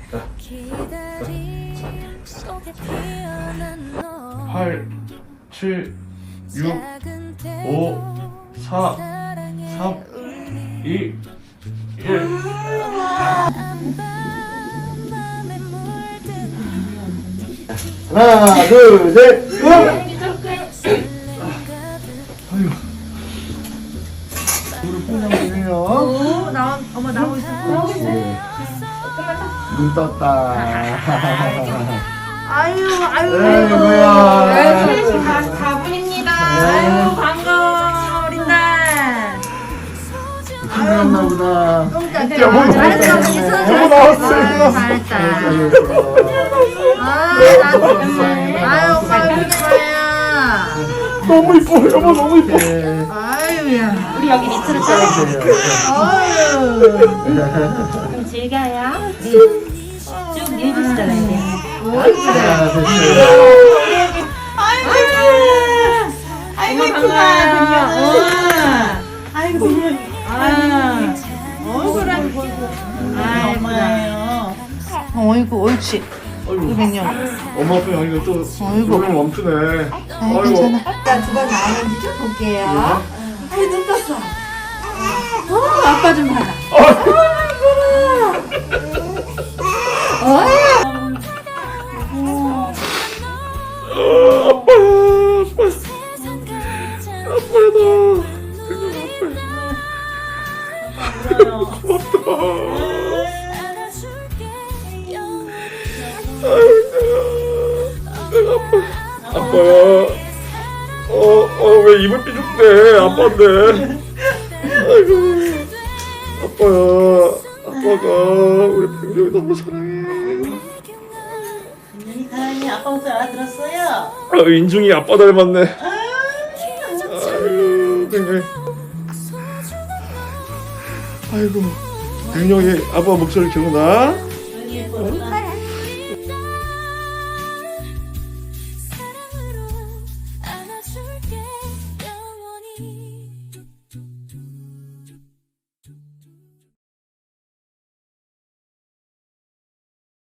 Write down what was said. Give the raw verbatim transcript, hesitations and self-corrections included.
팔, 칠, 육, 오, 사, 삼, 이, 일. 하나, 둘, 셋, 고! 아유. 무릎 뽕장이네요. 오, 나와, 어머, 나오고 있어. 나오고 있어. 눈 떴다. 아유, 아유. 아이고야. 가분입니다. 아유, 반가워, 어린 날. 힘들었나 보다. 똥 여보, 잘했어, 여보, 언니. 여보 나왔어요. 잘했다. 아, 아유, 나도. 감사합니다. 아유, 오빠 이렇게 좋아요. 너무 이뻐, 여보 너무 이뻐. 아유야. 우리 여기 밑으로 따라 아유. 좀 즐겨요. 쭉 밀어주시잖아요. 이제. 자, 됐어요. 아이고, 아이고, 이쁘다, 아이고, 아, 얼굴은 보이고. 아이고, 어이구, 옳지. 아이고, 백령. 엄마 아빠 여기가 또 아이고. 조명 멈추네. 아이, 괜찮아. 일단 두번 나오는지 좀 볼게요. 아이, 눈 떴어. 어, 아빠 좀 봐라. 아빠야. 어, 어, 왜 입을 삐죽대? 아빠인데. 아이고. 아빠야. 아빠가 우리 백룡이 너무 사랑해. 민준이 사랑해. 아빠 목소리 알아들었어요? 아, 인중이 아빠 닮았네. 아이고, 백룡이. 아이고, 백룡이 아빠 목소리 기억나? 여기 예뻐.